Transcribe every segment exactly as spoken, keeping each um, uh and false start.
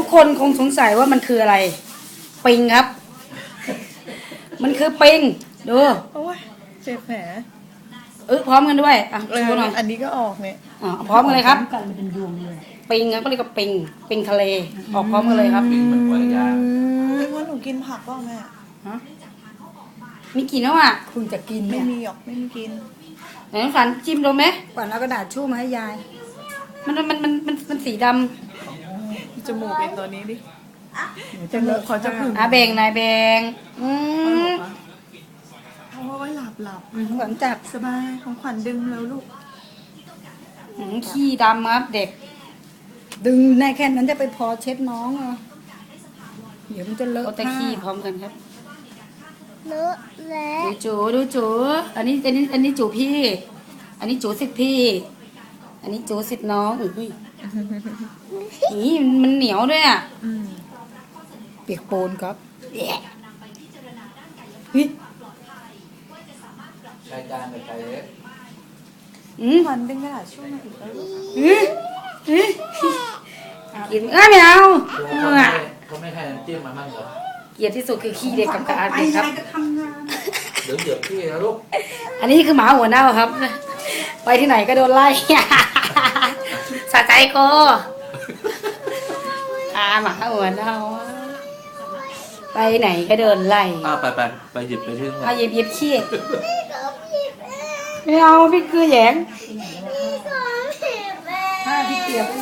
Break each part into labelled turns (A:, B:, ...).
A: คนคงสงสัยว่ามันคืออะไรปิงครับ มันคือปิงดู
B: โอ้ยเจ็บแผล
A: เออพร้อมกันด้วยอ่ะ
B: เออ
A: ชูหน่อย
B: อันนี้ก็ออกเนี่ย
A: อ่ะพร้อมกันเลยครับ
C: กันเป็นยวงเลย
A: ปิงครับก็เรียกว่าปิงปิงทะเลออกพร้อมกันเลยครับ
D: ปิงเหมือนหอยยาง
B: ว่าหนูกินผักเปล่าแม่
A: ฮะมีกี่แล้วอ่ะ
C: คุณจะกิน
B: ไม่
C: เนี่ย
B: มีหรอกไม่มีกิน
A: ไหนน้องสันจิ้มดูไหม
C: ก่อนเอากระดาษชู่มาให้ยาย
A: มันมันมันมันมันสีด
B: จมูกเป็นตัวนี้ดิ
C: จะเลอะ
B: ขอจะผึ่ง
A: ำอาเบงนายเบงอืม
B: เอาไว้หลับหลับ
C: หลังจาก
B: สบายของขวัญดึงแล้วลูก
A: อืมขี้ดำครับเด็ก
C: ดึงในแค่นั้นจะไปพอเช็ดน้องเหรอเดี๋ยวมันจะเลอะ
A: เขาจะขี้พร้อมกันครับ
E: เลอะแล้ว
A: ดูจูดูจูอันนี้อันนี้อันนี้จูพี่ อันนี้จูสิทธิ์พี่ อันนี้จูสิทธิ์น้องอุ้ยนี่มันเหนียวด้วยอ่ะ
B: อืม
C: เปียกโปนครับ
A: แย่
C: เฮ้ย
D: ชายจานกับชายเล็ก
A: อืม
B: ขวัญดึงกระดาษช่วยมาอีกแล้วลูก
A: อืมอืมกินเอ้ยไม่เอา
D: เขาไม่เขาไม่ให้น้ำจิ้มมามั่งเหรอ
A: เกลียดที่สุดคือขี้เด็กกับกระอาเด็กครับ
D: เดี๋ยวเหยียบพี่นะลูก
A: อันนี้คือหมาหัวเน่าครับ ไปที่ไหนก็โดนไล่ สะใจโกอาหมาหัวเน่าไปไหนก็โดนไล่
D: อ้าวไปไปไปหยิบไปที่นู่น
A: เอาหยิบหยิบขี้ไม่เอาพี่คือแหยง
C: ถ้าพี่เปียกไปไหน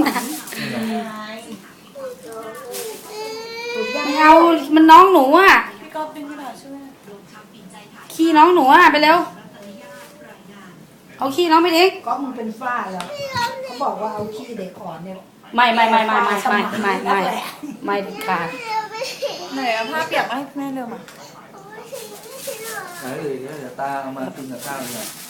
A: ไม่เอามันน้องหนูอ่ะ
B: พี่ก๊อฟดึงกระดาษช่วย
A: ขี้น้องหนูอ่ะไปเร็วเอาขี้น้องไปทิ้ง
C: ก็มันเป็นฝ้าแล้วเขาบอกว่าเอาขี้เด็กอ่อนเนี่ย
A: ไม่ไม่ไม่ไม่ไม่ไม่ไม่ไม่ไม่เด็ดขาด
B: ไหนเอาผ้าเปียกมาให้แม่เร็วมา
D: ไหนเลยเดี๋ยวตาเอามากินกับข้าวเนี่ย